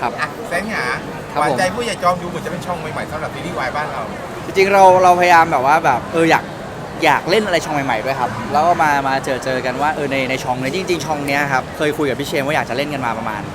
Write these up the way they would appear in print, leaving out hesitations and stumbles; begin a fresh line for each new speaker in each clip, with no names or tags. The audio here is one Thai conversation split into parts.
ครับ
แสงหา
ครับ
หวาน
ผม
ใจผู้ใหญ่จอมดูเหมือนจะเป็นช่องใหม่ๆสำหรับซีรีส์วายบ้านเรา
จริงๆเราพยายามแบบว่าแบบอยากเล่นอะไรช่องใหม่ๆด้วยครับแล้วก็มาเจอกันว่าในช่องเนี้ยจริงๆช่องเนี้ยครับเคยคุยกับพี่เชมว่าอยากจะเล่นกันมาประมาณ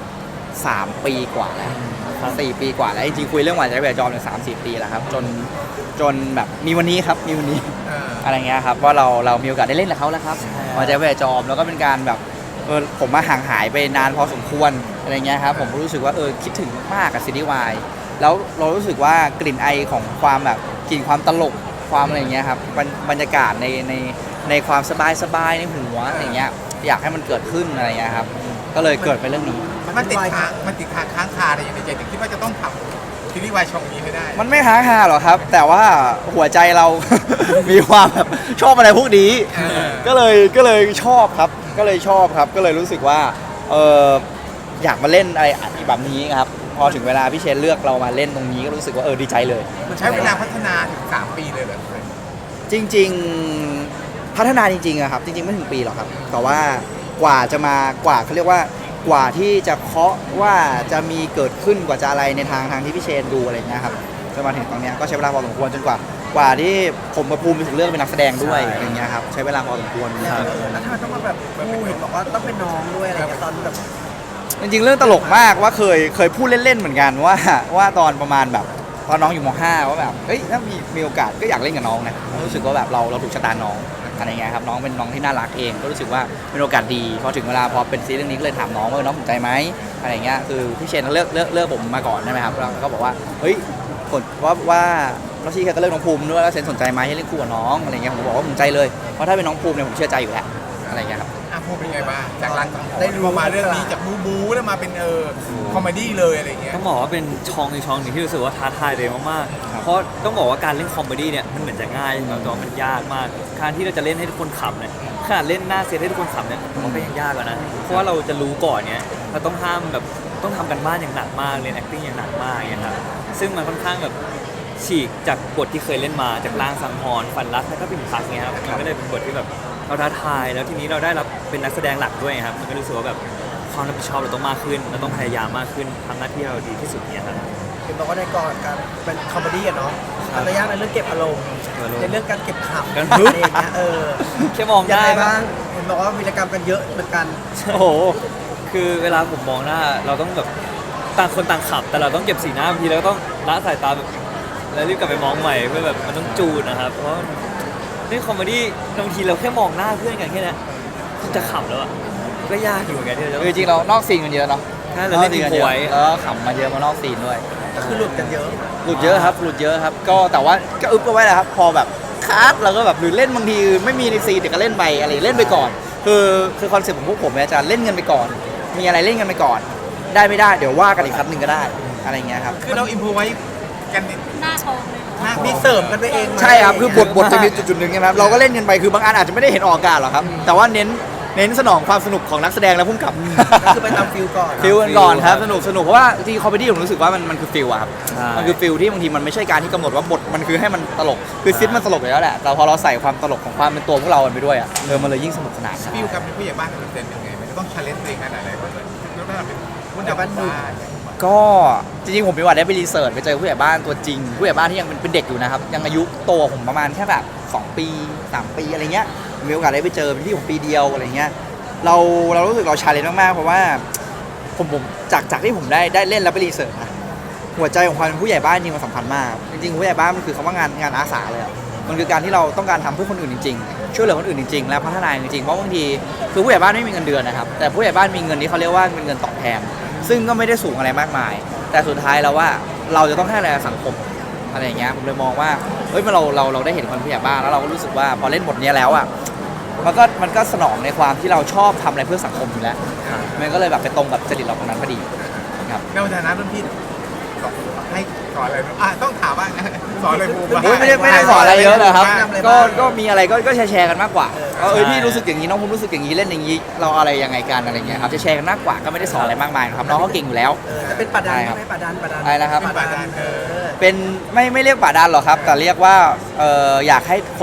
3 ปีกว่าแล้ว4 ปีกว่าแล้วจริงๆคุยเรื่องหวานใจแบบจอมเนี่ย3-4 ปีแล้วครับจนแบบมีวันนี้ครับมีวันนี้ อะไรเงี้ยครับว่าเรามีโอกาสได้เล่นกับเขาแล้วครับหวานใจแบบจอมแล้วก็เป็นการแบบผมมาห่างหายไปนานพอสมควรอะไรเงี้ยครับผมรู้สึกว่าคิดถึงมากกับซีรีส์วายแล้วเรารู้สึกว่ากลิ่นไอของความแบบกลิ่นความตลกความอะไรเงี้ยครับบรรยากาศในความสบายในหัวอะไรเงี้ยอยากให้มันเกิดขึ้นอะไรเงี้ยครับก็เลยเกิดเป็นเรื่องนี้
มันติดค้างคาอะไรอย่างในใจถึงคิดว่าจะต้องทำซีรีส์วายช่องนี้ให้ได้
มันไม่ค้างคาหรอกครับแต่ว่าหัวใจเรา มีความแบบชอบอะไรพวกนี้ก็เลยชอบครับก็เลยรู้สึกว่าอยากมาเล่นอะไรแบบนี้ครับพอถึงเวลาพี่เชนเลือกเรามาเล่นตรงนี้ก็รู้สึกว่าดีใจเลย
มันใช้เวลาพัฒนาถึง3 ปีเลยเหรอ
จริงๆพัฒนาจริงๆอะครับจริงๆไม่ถึงปีหรอกครับแต่ว่ากว่าจะมากว่าเขาเรียกว่ากว่าที่จะเคาะว่าจะมีเกิดขึ้นกว่าจะอะไรในทางที่พี่เชนดูอะไรเงี้ยครับจนมาถึงตรงเนี้ยก็ใช้เวลาพอสมควรจนกว่าที่ผมกับภูมิถึงเรื่องเป็นนักแสดงด้วยอะไรเงี้ยครับใช้เวลาพอสมควรครับ
แล้วทำไมต้องมาแบบพูดเห็นบอกว่าต้องเป็นน้องด้วยอะไรเงี้ยตอนแบบ
จริงๆเรื่องตลกมากว่าเคยพูดเล่นๆเหมือนกันว่าตอนประมาณแบบตอนน้องอยู่ม .5 ว่าแบบถ้ามีโอกาสก็อยากเล่นกับน้องนะรู้สึกว่าแบบเราถูกชะตาน้องอะไรเงี้ยครับน้องเป็นน้องที่น่ารักเองก็รู้สึกว่าเป็นโอกาสดีพอถึงเวลาพอเป็นซีรีส์เรื่องนี้ก็เลยถามน้องว่าน้องสนใจไหมอะไรเงี้ยคือพี่เชนเลือกผมมาก่อนใช่ไหมครับแล้วก็บอกว่าผลว่าน้องชีแค่ก็เลือกน้องภูมิด้วยแล้วเซนสนใจไหมให้เล่นคู่กับน้องอะไรเงี้ยผมบอกว่าผมใจเลยเพราะถ้าเป็นน้องภูมิเนี่ยผมเชื่อใจอยู่แล้วอะไรเงี้ยครับ
พูดเป็นไงบ้างจากหลังได้รู้มาเรื่องนี้จากบูแล้วมาเป็นคอมเมดี้เลยอะไรเงี้ย
ต้องบอกว่าเป็นช่องหนึ่งที่รู้สึกว่าท้าทายเลยมากๆเพราะต้องบอกว่าการเล่นคอมเมดี้เนี่ยมันเหมือนจะง่ายแต่ว่ามันยากมากการที่เราจะเล่นให้ทุกคนขำเนี่ยขนาดเล่นหน้าเซตให้ทุกคนขำเนี่ยมันก็ยังยากกว่านะเพราะว่าเราจะรู้ก่อนเนี่ยเราต้องต้องทำกันบ้านอย่างหนักมากเรียน acting อย่างหนักมากอย่างเงี้ยครับซึ่งมันค่อนข้างแบบฉีกจากบทที่เคยเล่นมาจากลางสังหรณ์ฝันรักแล้วก็ปิ่นพักเนี่ยครับมันก็เลยเป็นบทที่แบบเราท้าทายแล้วทีนี้เราได้รับเป็นนักแสดงหลักด้วยครับมันก็รู้สึกว่าแบบความรับผิดชอบเราต้องมากขึ้นเราต้องพยายามมากขึ้นทำหน้าที่เราดีที่สุดเนี่ยครับ
เห็นบอกว่าในกองการเป็นคอมเมดี้อะเนาะระยะในเรื่องเก็บอารมณ์ในเรื่องการเก็บขำอะไรอย่างเงี้ย
แค่มอง
ยัง
ได้
ไงบ้างเห็นบอกว่าวีรกรรมกันเยอะเหมือนกัน
โอ้โหคือเวลาผมมองหน้าเราต้องแบบต่างคนต่างขับแต่เราต้องเก็บสีหน้าบางทีเราก็ต้องละสายตาแบบแล้วรีบกลับไปมองใหม่เพื่อแบบมันต้องจูนนะครับเพราะในคอมเมดี้บางทีเราแค่มองหน้าเพื่อนกันแค่นั้นจะขำแล้วอ่ะก็ยากอยู่เหมือนกันที่จะ
จริงๆเรานอกซีนกันเยอะเนาะ
เราเล่นดีกว่า
แล้วขำมาเยอะมานอกซีนด้วย
ก็คือหลุดกันเยอะ
หลุดเยอะครับก็แต่ว่าก็อึบเอาไว้แหละครับพอแบบคัดเราก็แบบหรือเล่นบางทีไม่มีในซีนเดี๋ยวก็เล่นไปอะไรเล่นไปก่อนคือคอนเซ็ปต์ของพวกผมเนี่ยจะเล่นกันไปก่อนมีอะไรเล่นกันไปก่อนได้ไม่ได้เดี๋ยวว่ากันอีกครั้งหนึ่งก็ได้อะไรเงี้ยครับ
คือเราอิมพอไว้กัน
หน้าชมเลย
มีเสริมกันไปเอง
ใช่ครับคือบทจะมีจุดๆหนึ่งนะครับเราก็เล่นกันไปคือบางอันอาจจะไม่ได้เห็นออกอากาศหรอกครับแต่ว่าเน้นสนองความสนุกของนักแสดงและผู้กำกับ
ก็คือไปตามฟิลก่อน
ฟิลกันก่อนครับสนุกเพราะว่าจริงคอมเมดี้ผมรู้สึกว่ามันคือฟิลอะครับมันคือฟิลที่บางทีมันไม่ใช่การที่กำหนดว่าบทมันคือให้มันตลกคือซิทมันตลกอยู่แล้วแหละแต่พอเราใส่ความตลกของความเป็นตัวพวกเราไปด้วยอะมันเลยยิ่งสนุกสนาน
ฟิลกับเป็นผู้ใหญ่บ้านเป็นเต็มยังไงมันจะต้องชาเลนจ์ตัวเองขนาดไหนบ้างแล้วถ้าเป็นผู้ใหญ่บ้าน
ก็จริงๆผมมีโอกาสได้ไปรีเสิร์ชไปเจอผู้ใหญ่บ้านตัวจริงผู้ใหญ่บ้านที่ยังเป็นเด็กอยู่นะครับยังอายุโตผมประมาณแค่แบบ2 ปี3 ปีอะไรเงี้ยมีโอกาสได้ไปเจอเป็นที่ผมปีเดียวอะไรเงี้ยเรารู้สึกเราชาเลนจ์มากๆเพราะว่าผมจากที่ผมได้เล่นแล้วไปรีเสิร์ชนะหัวใจของความเป็นผู้ใหญ่บ้านจริงมันสำคัญมากจริงๆผู้ใหญ่บ้านมันคือคำว่างานอาสาเลยอ่ะมันคือการที่เราต้องการทำเพื่อคนอื่นจริงๆช่วยเหลือคนอื่นจริงๆและพัฒนาจริงๆเพราะบางทีคือผู้ใหญ่บ้านไม่มีเงินเดือนนะครับแต่ผู้ใหญ่บ้านมีเงินที่เขาเรียกว่าเป็นเงินตอบแทนซึ่งก็ไม่ได้สูงอะไรมากมายแต่สุดท้ายแล้วว่าเราจะต้องให้อะไรสังคมอะไรอย่างเงี้ยผมเลยมองว่าเราได้เห็นคนผู้ใหญ่บ้านแล้วเราก็รู้สึกว่าพอเล่นบทนี้แล้วอ่ะมันก็สนองในความที่เราชอบทำอะไรเพื่อสังคมอยู่แล้วมันก็เลยแบบไปตรงกับจริตเราตรงนั้นพอดีครับ
ในฐานะรุ่นพี่ให้สอนอะไรต้องถามว่าสอนอะไรบูม
ไม่ได้สอนอะไรเยอะนะครับก็มีอะไรก็แชร์กันมากกว่าพี่รู้สึกอย่างนี้น้องผมรู้สึกอย่างนี้เล่นอย่างนี้เราอะไรยังไงกันอะไรเงี้ยครับจะแชร์กันมากกว่าก็ไม่ได้สอนอะไรมากมายครับน้องเขาเก่งอยู่แล้ว
จะเป็นป่าดันไหมป่าดัน
อะไรนะครับ
ป่าดัน
เป็นไม่เรียกป่าดันหรอกครับแต่เรียกว่าอยากให้คน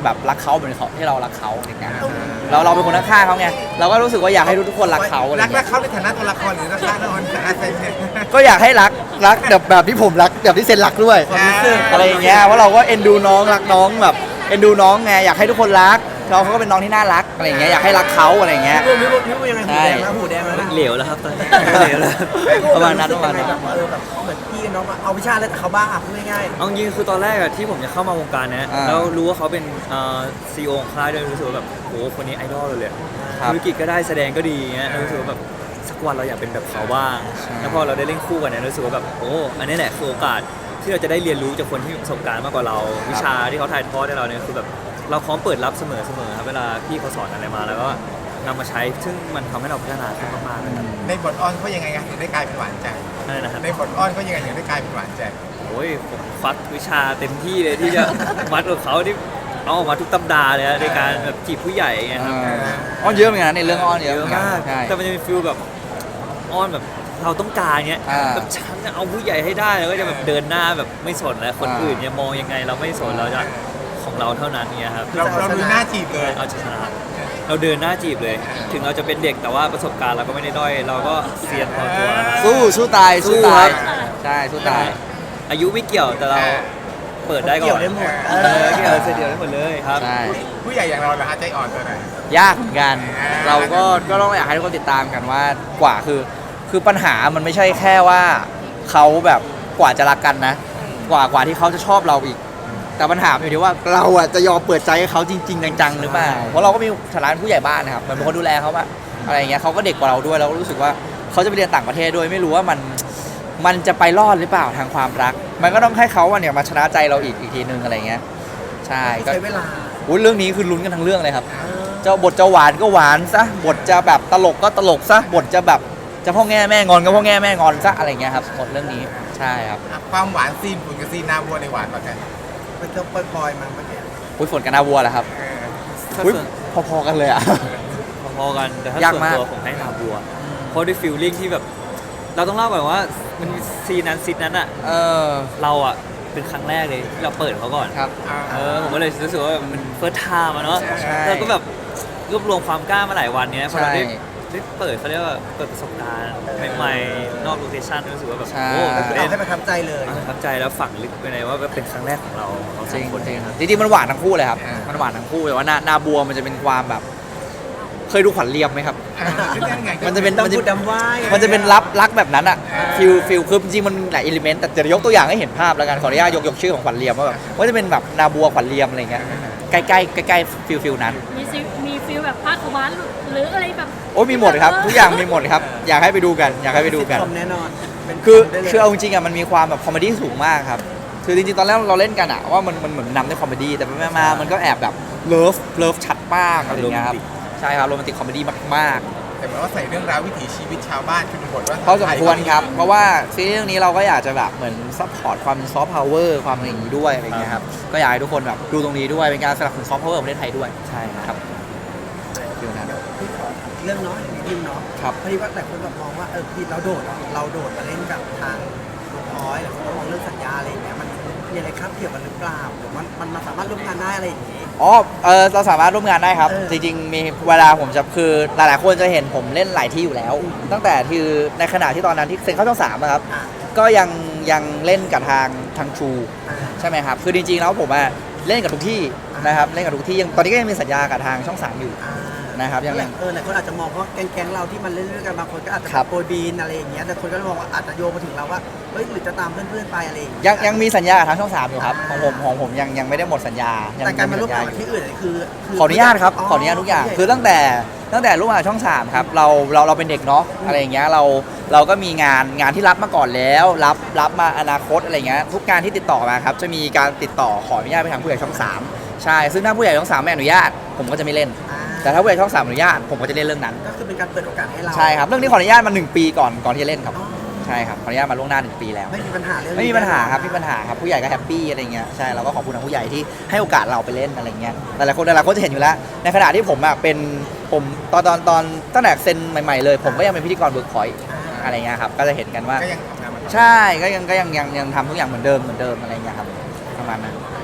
แบบรักเขาเหมือนเขาที่เรารักเขาอะไรเงี้ยเราเป็นคนข้างๆเขาไงเราก็รู้สึกว่าอยากให้ทุกๆคนรักเขาอะไร
รัก
เงี้ย
เขาในฐานะตัวละครหรือรักนอนฐานะเป็น
ก็อยากให้รักแบบที่ผมรักแบบที่เซนรักด้วย
ความรู้สึก
อะไรอย่างเงี้ยเพราะเราก็เอ็นดูน้องรักน้องแบบเอ็นดูน้องไงอยากให้ทุกคนรักเราเขาก็เป็นน้องที่น่ารักอะไรอย่างเงี้ยอยากให้รักเขาอะไรอย่างเงี้ย
พี่บูยังไงหูแดงแล้วหูแดงแล้วนะ
เหลวแล้วครับตอนนี้เหลวแล้ว
ประมาณนั้นประมาณนั้น
แบบแบบเหมือนพี่น้องเอาวิชาอะไรแต่เขาบ้าพูดง่าย
เอาจริงๆคือตอนแรกอะที่ผมจะเข้ามาวงการเนี้ย
อ่า
แล้วรู้ว่าเขาเป็นซีอีโอของค่ายด้วยรู้สึกว่าแบบโหคนนี้ไอดอลเลย
ครับ
ธุรกิจก็ได้แสดงก็ดีเงี้ยรู้สึกว่าแบบสักวันเราอยากเป็นแบบเขาบ้าง
ใช่
แล้วพอเราได้เล่นคู่กันเนี่ยรู้สึกว่าแบบโอ้อันนี้แหละคือโอกาสที่เราจะได้เรียนรู้จากคนที่มีประสบการณ์มากกว่าเรา วิชาที่เขาถ่ายทอดให้เราเนี่ยคือแบบเราพร้อมเปิดรับเสมอครับเวลาพี่เขาสอนอะไรมาแล้วก็นำมาใช้ซึ่งมันทำให้เราพัฒนาขึ้นมากๆเลยครับ
ในบทอ้อนเขายังไงถึงได้กลายเป็นหวานใจ
นั่นนะครับ
ในบทอ้อนเขายังไงถึงได้กลายเป็นหวานใจ
โอ้ยผมฟักวิชาเต็มที่เลยที่จะ มัดกับเขาที่เอาออกมาทุกตำราเลยนะในการแบบจีบผู้ใหญ่ไงครับ
อ้อนเยอะเหมือนกันนะในเรื่องอ้อนเยอะเหมือนกัน
มาก
ใช่
แต่มันจะมีฟิลแบบอ้อนแบบเราต้องการเงี้ย
อ่า
แบบฉันจะเอาผู้ใหญ่ให้ได้แล้วก็จะแบบเดินหน้าแบบไม่สนแล้วคนอื่นเนี่ยมองยังไงเราไม่สนเราจะของเราเท่านั้นเนี่ยครับ
เราดูหน้าจีบเลย
เอาชนะเราเดินหน้าจีบเลย ถึงเราจะเป็นเด็กแต่ว่าประสบการณ์เราก็ไม่ได้ด้อย เราก็เซียนพอตัวนะครับ
สู้ตายสู้
สู้
ตา
ครั
ย
บ
ใช่สู้ตาย
อายุไม่เกี่ยวแต่เราเปิดได้ก่อน
เกี่ยวได้หมด
เกี่ยวเดียวได้หมดเลยครับ
ใช่
ผู้ใหญ่อย่างเราเหรอฮะใจอ่อนตัวไหน
ยากเหมือนกัน เราก็ต้องอยากให้ทุกคนติดตามกันว่ากว่าคือปัญหามันไม่ใช่แค่ว่าเขาแบบกว่าจะรักกันนะ กว่าที่เขาจะชอบเราอีก แต่ปัญหาอยู่ที่ว่าเราอ่ะจะยอมเปิดใจให้เขาจริงๆจังๆหรือเปล่าเพราะเราก็มีฐานะเป็นผู้ใหญ่บ้านนะครับเหมันเป็นคนดูแลเขาอะอะไรอย่างเงี้ยเขาก็เด็กกว่าเราด้วยเราก็รู้สึกว่าเขาจะไปเรียนต่างประเทศด้วยไม่รู้ว่ามันจะไปรอดหรือเปล่าทางความรัก มันก็ต้องให้เขาอะเนี่ยมาชนะใจเราอีกทีนึงอะไรเงี้ยใช่ก็
ใช้เวลา
อุ๊ยเรื่องนี้คือลุ้นกันทั้งเรื่องเลยครับ เจ้าบทจะหวานก็หวานซะบทจะแบบตลกก็ตลกซะบทจะแบบจะพ่อแง่แม่งอนก็พ่อแง่แม่งอนซะอะไรเงี้ยครับบทเรื่องนี้ใช่ครับ
ความหวานซีนฝุ่นกับซีนนาบัวในหวานกว่ากัน
มันก็ปล่อยๆมาเมื่อกี้
อุ้ยฝนกับนาบัวแหละครับ
ถ้า
อุ้ย
ส่วน
พอๆกันเลยอ่ะ
พอๆกันแต่ถ้าย
าก
ส่วน
มาก
ตัวผมให้นาบัว เพราะด้วยฟิลลิ่งที่แบบ เราต้องเล่าก่อนว่ามันมีซีนนั้นซีนนั้นอะ
เออ
เราอะเป็นครั้งแรกเลยที่เราเปิดเขาก่อน
ครับ
ผมก็เลยรู้สึกว่ามันเฟิร์สไทม์อะเนาะ
ใช่
เราก็แบบรวบรวมความกล้ามาหลายวันเนี้ยพอเราได้
ใช่
ได้เปิดเขาเรียกว่าเปิดประสบการณ์ใหม่ๆนอกโลเคชั่นรู้สึกว่าแบบ
ใช่
โอ้ตื่น
เอา
เต้น
ให้ประทับใจเลย
ประทับใจแล้วฝังลึกไปในว่าเป็นครั้งแรกของเราส
จ
อ
ริ
ง
ง
คน
จริงจริงๆมันหวานทั้งคู่เลยครับ มันหวานทั้งคู่แต่ว่านาบัวมันจะเป็นความแบบ เคยดูขวัญเรียมไหมครับ มันจะเป็น
ดำพูดดำว่าย
มันจะเป็นรักแบบนั้นอะฟิลคือจริงๆมันมีหลายอิเลเมนต์แต่จะยกตัวอย่างให้เห็นภาพแล้วกันขออนุญาตยกชื่อของขวัญเรียมว่าแบบว่าจะเป็นแบบนาบัวขวัญเรียมอะไรเงี้ยใกล้ฟิลนั้น
มีฟิลแบบภาคขวานหรืออะไรแบบ
โอ้ยมีหมดครับทุกอย่างมีหมดครับอยากให้ไปดูกันอยากให้ไปดูกัน
ซิทคอมแน่นอนเป็น
คือ
ได้ลย
คือเอาจริงๆอะมันมีความแบบคอมเมดี้สูงมากครับคือจริงๆตอนแรกเราเล่นกันอะว่ามันเหมือนนำด้วยคอมเมดี้แต่ไปมาๆมันก็แอบแบบเลิฟชัดมากอะไรอย่างเงี้ยครับใช่ครับโรแมนติกคอมเมดี้มากๆ
แต่เหมือนว่าใส่เรื่องราววิถีชีวิตชาวบ้านเป็นบทว่า
พอสมควรครับ เพราะว่าซีรีส์เรื่องนี้เราก็อยากจะแบบเหมือนซัพพอร์ตความซอฟต์พาวเวอร์ความอะไรอย่างนี้ด้วยอะไรอย่างเงี้ยครับ ก็อยากให้ทุกคนแบบดูตรงนี้ด้วย เป็นการสนับสนุนซอฟต์พาวเวอร์ของประเทศไทยด้วย
ใช่ครับ
ฟิลนั้น
พี่ขอเรื่องเนาะอย่างนี้ดิมเนาะ
ครับ
พอดีว่าแต่คนแบบมองว่าพี่เราโดดมาเล่นกับทางลุงอ้อยหรือคนก็มองเรื่องสัญญาอะไรอย่างเงี้ยมันมีอะไรครับเกี่ยวกันหรือเปล่าหรือมันสามารถร่วมงานได้อะไรอย่างงี้
อ๋อเราสามารถร่วมงานได้ครับ
เออ
จริงๆมีเวลาผมจะคือหลายๆคนจะเห็นผมเล่นหลายที่อยู่แล้ว ตั้งแต่ที่ในขณะที่ตอนนั้นที่เซ็นเข้าช่อง3อะครับ
อ่า
ก็ยังเล่นกับทางชูใช่ไหมครับ คือจริงๆแล้วผมอะเล่นกับทุกที่นะครับ เล่นกับทุกที่ยังตอนนี้ก็ยังมีสัญญากับทางช่อง3อยู่
อ่า
นะครับยัง
หลายคนอาจจะมองว่าแก๊งเราที่มันเล่นด้วยกันบางคนก็อาจจะ
ครับ
โปรยบีนอะไรอย่างเงี้ยแต่คนก็มองว่าอาจจะโยงมาถึงเราว่าเฮ้ยหรือจะตามเพื่อนๆไปอะไรอย่างเงี้ย
ยังมีสัญญากับทางช่อง3อยู่ครับของผมยังไม่ได้หมดสัญญายั
แต่การมาร่วม
สัญ
งาน
ญ
กับที่อื่นคือ
ขออนุญาตครับขออนุญาตทุกอย่างคือตั้งแต่ร่วมงานกับช่อง3ครับเราเป็นเด็กเนาะอะไรอย่างเงี้ยเราก็มีงานที่รับมาก่อนแล้วรับมาอนาคตอะไรเงี้ยทุกงานที่ติดต่อมาครับจะมีการติดต่อขออนุญาตไปทางผู้ใหญ่ช่อง3ใช่ซึ่งถ้าผู้ใหญ่ช่อง3ไม่อนุญาตผมก็จะไม่เล่น แต่ถ้าผู้ใหญ่ช่อง3อนุญาตผมก็จะเล่นเรื่องนั้น
ก็คือเป็นการเปิดโอกาสให้เรา
ใช่ครับเรื่องนี้ขออนุญาตมา1 ปีก่อนที่จะเล่นครับใช่ครับขออนุญาตมาล่วงหน้า1 ปีแล้ว
ไม่มีปัญหาเรื่อง
ไม่มีปัญหาครับไม่มีปัญหาครับผู้ใหญ่ก็แฮปปี้อะไรเงี้ยใช่เราก็ขอบคุณทางผู้ใหญ่ที่ให้โอกาสเราไปเล่นอะไรเงี้ยหลายๆคนจะเห็นอยู่แล้ว ในขณะที่ผมอ่ะเป็นผมตอนตั้งแต่เซ็นใหม่ๆเลยผมก็ยังเป็นพิธีกรเวิร์กพอยต์อะไรเงี้ยครับก็จะเห็นกันว่า
ก็ยังทำงานมาต่อ
ใช่ก็ยังทำทุกอย่างเหมือนเดิมอะไรเงี้ยครับประมาณนั้น
ถ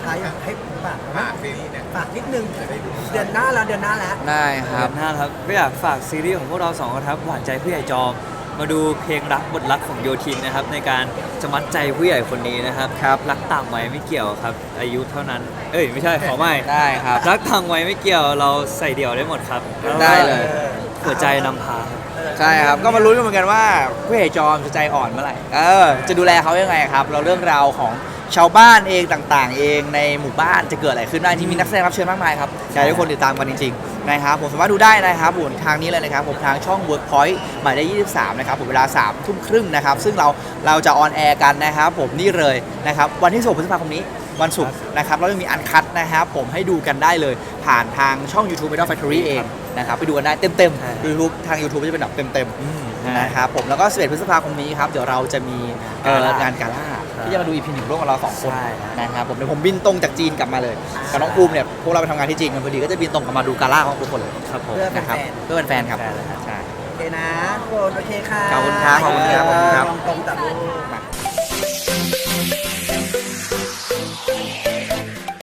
ท้ายอยากให้ฝาก
ฝากซีรีส์เนี่ย
ฝากนิดนึงเดือนหน้าแล้ว
ได้ครับ
หน้าครับก็อยากฝากซีรีส์ของพวกเราสองคนครับหวานใจผู้ใหญ่จอม มาดูเพลงรักบทรักของโยทินนะครับในการจะมัดใจผู้ใหญ่คนนี้นะครับ
ครับ
รักต่างวัยไม่เกี่ยวครับ อายุเท่านั้น เอ้ยไม่ใช่ขอไม่
ได้ครับ
รักต่างวัยไม่เกี่ยวเราใส่เดี่ยวได้หมดครับแล้วก็
ได้เลย
หัวใจนำพาครับ
ใช่ครับ ก็มาลุ้นกันเหมือนกันว่าผู้ใหญ่จอมจะใจอ่อนเมื่อไหร่ จะดูแลเขายังไงครับ เราเรื่องราวของชาวบ้านเองต่างๆ เองในหมู่บ้านจะเกิดอะไรขึ้นบ้างที่มีนักแสดงรับเชิญมากมายครับอยากให้ทุกคนติดตามกันจริงๆนะครับผมสามารถดูได้นะครับผมทางนี้เลยนะครับผมทางช่อง Workpoint หมายเลข23นะครับผมเวลา3 ทุ่มครึ่งนะครับซึ่งเราจะออนแอร์กันนะครับผมนี่เลยนะครับวันที่16 พฤษภาคมนี้วันศุกร์นะครับแล้วยังมีอันคัดนะครับผมให้ดูกันได้เลยผ่านทางช่อง YouTube Idol Factory เองนะครับไปดูกันได้เต็ม
ใช่
ๆ YouTube ทาง YouTube จะเป็นแบบเต็มๆนะครับผมแล้วก็11 พฤษภาคมนี้ครับเดี๋ยวเราจะมีงานกาล่าที่จะมาดู EP 1ร่วมกับเรา2 คน
ใช่
นะครับผมเดี๋ยวผมบินตรงจากจีนกลับมาเลยกับน้องภูมิเนี่ยพวกเราไปทำงานที่จีนกันพอดีก็จะบินตรงกลับมาดูกาล่าของทุกคนเลย
ครับผม
เพื่อ
นะครับ
แฟน
เพื่อเป็นแฟนครับ
แฟนเลยครับ
ใช่
ๆโอเคนะทุกคนโอเคค่ะ
ขอบคุณครับขอบคุณครับขอบคุณครับ
ตรงๆแต่ลูก